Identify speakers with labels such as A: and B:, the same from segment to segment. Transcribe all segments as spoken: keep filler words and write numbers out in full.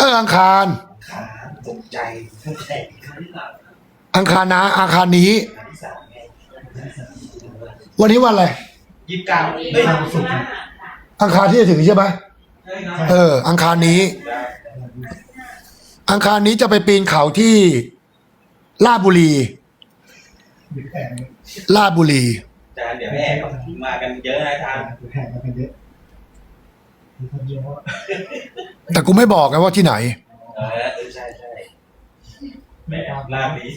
A: เอออังคาร
B: ขาตกใจตั้งแต่ครั้งที่สาม
A: อังคารนะอังคารนี้
B: ครั้งที่สามไง
A: วันนี้วันอะไร
B: ยี่สิบเก้าเฮ้ยสุด
A: อังคารที่จะถึงใช่ไหมเอออังคารนี้ อังคารนี้จะไปปีนเขาที่ลาดบุรีลาดบุรี
B: จานเดี๋ยวแม่มากันเยอะนะทาง
C: แห่มากันเยอะ
A: แต่กูไม่บอกไงว่าที่ไหน
B: เออใช่ใช่แม่ลาบี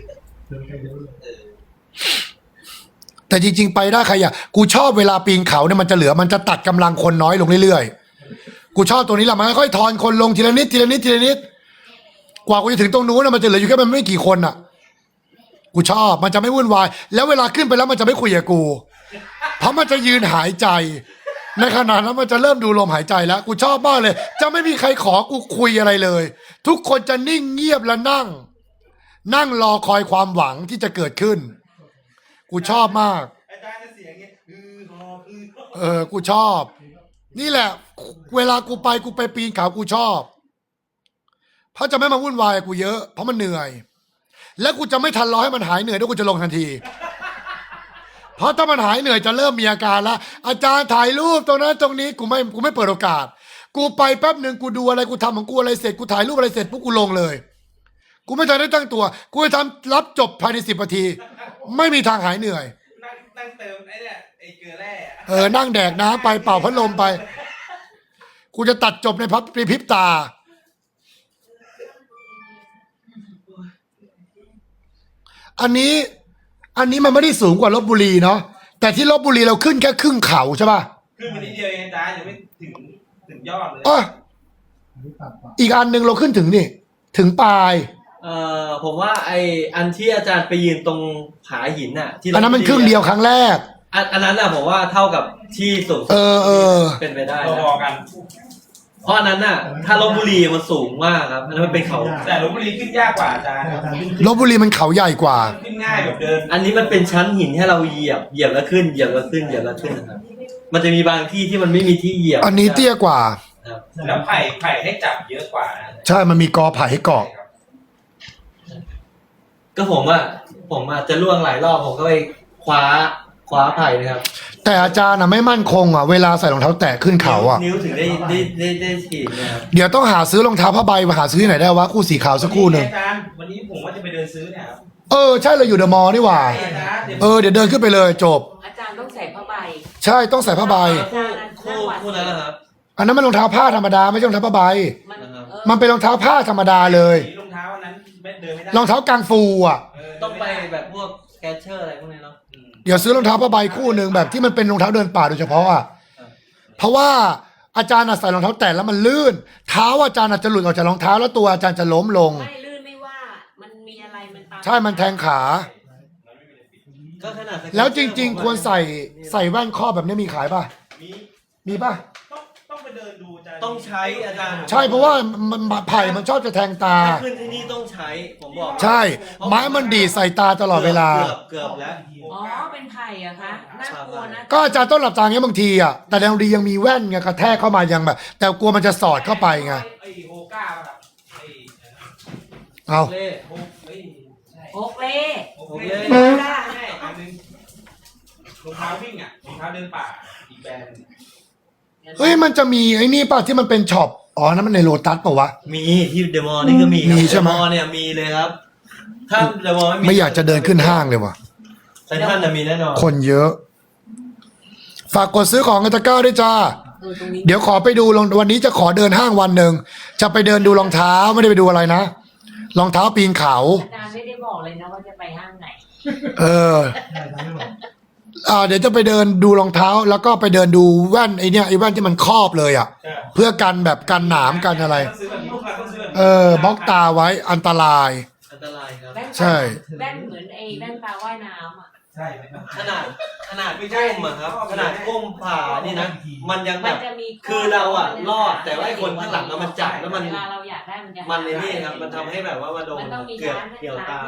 A: แต่จริงๆไปได้ใครอ่ะกูชอบเวลาปีนเขาเนี่ยมันจะเหลือมันจะตัดกำลังคนน้อยลงเรื่อยๆกูชอบตัวนี้แหละมันค่อยๆทอนคนลงทีละนิดทีละนิดทีละนิดกว่ากูจะถึงตรงนู้นมันจะเหลืออยู่แค่มันไม่กี่คนอ่ะกูชอบมันจะไม่วุ่นวายแล้วเวลาขึ้นไปแล้วมันจะไม่คุยกับกูเพราะมันจะยืนหายใจในขณะนั้นมันจะเริ่มดูลมหายใจแล้วกูชอบมากเลยจะไม่มีใครขอกูคุยอะไรเลยทุกคนจะนิ่งเงียบและนั่งนั่งรอคอยความหวังที่จะเกิดขึ้นกูชอบมาก
B: อาจารย์จะเสียงเงี้ยอือฮออือ
A: เออกูชอบนี่แหละเวลากูไปกูไปปีนเขากูชอบเพราะจะไม่มาวุ่นวายกูเยอะเพราะมันเหนื่อยและกูจะไม่ทันรอให้มันหายเหนื่อยด้วยกูจะลงทันทีเพราะถ้ามันหายเหนื่อยจะเริ่มมีอาการแล้วอาจารย์ถ่ายรูปตรงนั้นตรงนี้กูไม่กูไม่เปิดโอกาสกูไปแป๊บหนึ่งกูดูอะไรกูทำของกูอะไรเสร็จกูถ่ายรูปอะไรเสร็จปุ๊บกูลงเลยกูไม่ทันได้ตั้งตัวกูจะทำรับจบภายในสิบนาทีไม่มีทางหายเหนื่อย
B: นั่งนั่งเติมไอ้เนี่ยไอ้เกลือแร่
A: เออนั่งแดกน้ำไปเป่าพัดลมไปกูจะตัดจบในพับในพริบตาอันนี้อันนี้มันไม่ได้สูงกว่าลพบุรีเนาะแต่ที่ลพบุรีเราขึ้นแค่ครึ่งเขาใช่ป่ะ
B: ขึ้นมานิดเดียวเองอาจารย์ยังไม่ถึงถึงยอดเลย
A: อ๋ออีกอันหนึ่งเราขึ้นถึงนี่ถึงปลาย
D: เอ่อผมว่าไออันที่อาจารย์ไปยืนตรงผาหินน่ะที่
A: อันนั้นมันครึ่งเดียวครั้งแรก
D: อันอันนั้นน่ะผมว่าเท่ากับที่สูง
A: เออเออ
D: เป็นไปได้
B: พอกัน
D: เพราะอันนั้นน่ะถ้าลพบุรีมันสูงมากครับอันนั้นมันเป็นเขา
B: แต่ลพบุรีขึ้นยากกว่าอาจารย์
A: ลพบุรีมันเขาใหญ่กว่า
B: ขึ้นง่ายแบบเดิน
D: อันนี้มันเป็นชั้นหินให้เราเหยียบเหยียบแล้วขึ้นเหยียบแล้วขึ้นเหยียบแล้วขึ้นนะครับมันจะมีบางที่ที่มันไม่มีที่เหยียบ
A: อันนี้เตี้ยกว่า
B: แล้วไผ่ไผ่ให้จับเยอะกว่า
A: ใช่มันมีกอไผ่ให้เกาะ
D: ก็ผมอ่ะผมอาจจะล่วงหลายรอบผมก็ไปคว้าคว้าไผ่นะครับ
A: แต่อาจารย์อ่ะไม่มั่นคงอ่ะเวลาใส่รองเท้าแตะขึ้นเขาอ่ะ
D: นิ้วถึงได้ได้ได้ได้ฉีดนะครับ
A: เดี๋ยวต้องหาซื้อรองเท้าผ้าใบมาหาซื้อที่ไหนได้วะคู่สีขาวสักคู่หนึ่ง
B: อาจารย์วันนี้ผมว่าจะไปเดินซื้อเนี่ย
A: เออใช่เราอยู่เดอะมอลล์นี่หว่าเออเดี๋ยวเดินขึ้นไปเลยจบ
E: อาจารย์ต้องใส่ผ้าใบ
A: ใช่ต้องใส่ผ้าใบ
D: คู่คู่นั้นนะครับ
A: อันนั้นมันรองเท้าผ้าธรรมดาไม่ใช่รองเท้าผ้าใบมันเป็นรองเท้าผ้าธรรมดาเลย
B: รองเท้านั้นเดินไม่ได้
A: รองเท้ากางฟูอ่ะ
D: ต้องไปแบบพวกแกชเชอร์อะไรพวกนี้เนาะ
A: เดี๋ยวซื้อรองเท้าผ้าใบคู่หนึ่งแบบที่มันเป็นรองเท้าเดินป่าโดยเฉพาะอ่ะเพราะว่าอาจารย์ใส่รองเท้าแตะแล้วมันลื่นเท้าอาจารย์อาจจะหลุดออกจากรองเท้าแล้วตัวอาจารย์จะล้มลง
E: ไม่ลื่นไม่ว่ามันมีอะไรมันตาม
A: ใช่มันแทงขาแล้วจริงๆควรใส่ใส่แว่นครอบแบบนี้มีขายป่ะมีมีป่ะ
B: ต้องไปเดินดูอาจารย์
D: ต้องใช้อาจารย์
A: ใช่เพราะว่ามันไผ่มันชอบจะแทงตา
D: ขึ้นที่นี่ต้องใช้ผมบอก
A: ใช่ไม้มันดีใส่ตาตลอดเวลา
D: เกือบเกือบแล้ว
E: อ๋อเป็นไผ่อะคะน่ากลัวนะ
A: ก็อาจารย์ต้องหลับตาเงี้ยบางทีอะแต่แรงดียังมีแว่นไงกระแทกเข้ามายังแบบแต่กลัวมันจะสอดเข้าไปไง
B: ไอ้โฮก้าแบบ
A: เอา
E: โฮเล่
B: โฮเล่ได้ใช่อันนึงรองเท้าวิ่งอะรองเท้าเดินป่าอีกแบรนด์
A: เฮ้ยมันจะมีไอ้นี่ป่ะที่มันเป็นช็อปอ๋อนั่นมันในโลตัสป่ะวะ
D: มีที่เดอะมอลล์นี่ก็มี
A: มีใช่ไหม
D: เดอะมอลล์เนี่ยมีเลยครับถ้าเดอะมอลล์
A: ไม่อยากจะเดินขึ้นห้างเลยว่ะ
D: เซ็นทรัลจะมีแน่นอน
A: คนเยอะฝากกดซื้อของกันตะก้าด้วยจ้าเดี๋ยวขอไปดูลงวันนี้จะขอเดินห้างวันหนึ่งจะไปเดินดูรองเท้าไม่ได้ไปดูอะไรนะรองเท้าปีนเขา
E: อาจารย์ไม่ได้บอกเลยนะว่าจะไปห้างไหน
A: เอออ่าเดี๋ยวจะไปเดินดูรองเท้าแล้วก็ไปเดินดูแว่นไอเนี้ยไอแว่นที่มันครอบเลยอ่ะเพื่อกันแบบกันหนามกันอะไรเออบล็อกตาไว้อันตราย
D: อันตรายครับ
A: ใช่
E: แว่นเหมือนไอแว่นตาว่ายน้ำอ่ะ
B: ใช่
D: ขนาดขนาดไม่ใช่มาครับขนาดก้มผ่านี่นะมันยังแบบคือเราอ่ะรอดแต่ว่าไอคนข้างหลังมันจับแล้วมันมันในนี่ครับมันทำให้แบบว่ามาโดนเกือบเกี่ยวตา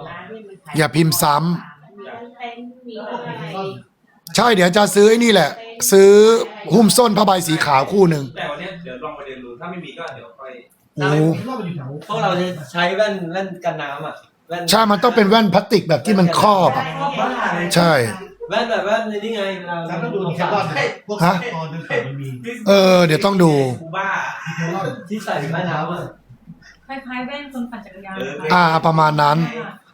A: อย่าพิมพ์ซ้ำใช่เดี๋ยวจะซื้อไอ้นี่แหละซื้อหุ้มส้นผ้าใบสีขาวคู่หนึ่ง
B: แต่วันเนี้ยเดี๋ยวลองไปเรียนรู้ถ้าไม่มีก็เดี๋ยวค่อย
A: โอ้
D: พวกเราจะใช้แว่นแว่นกันน้ำอ่ะแว่น
A: ใช่มันต้องเป็นแว่นพลาสติกแบบที่มันครอบอะใช่
D: แว่นแบบแว่นนี่ไงเวลา
C: แล้วก็ดูแครอทพวก
A: ฮะ
C: ตอนนั้นมันมี
A: เออเดี๋ยวต้องดู
B: กูบ้า
D: ที่ใส่แว่นน้ำอ่ะ
F: คล้ายๆแว่นคนปั่นจักรยาน
B: เออ
A: อ่าประมาณนั้น
F: ค่ะ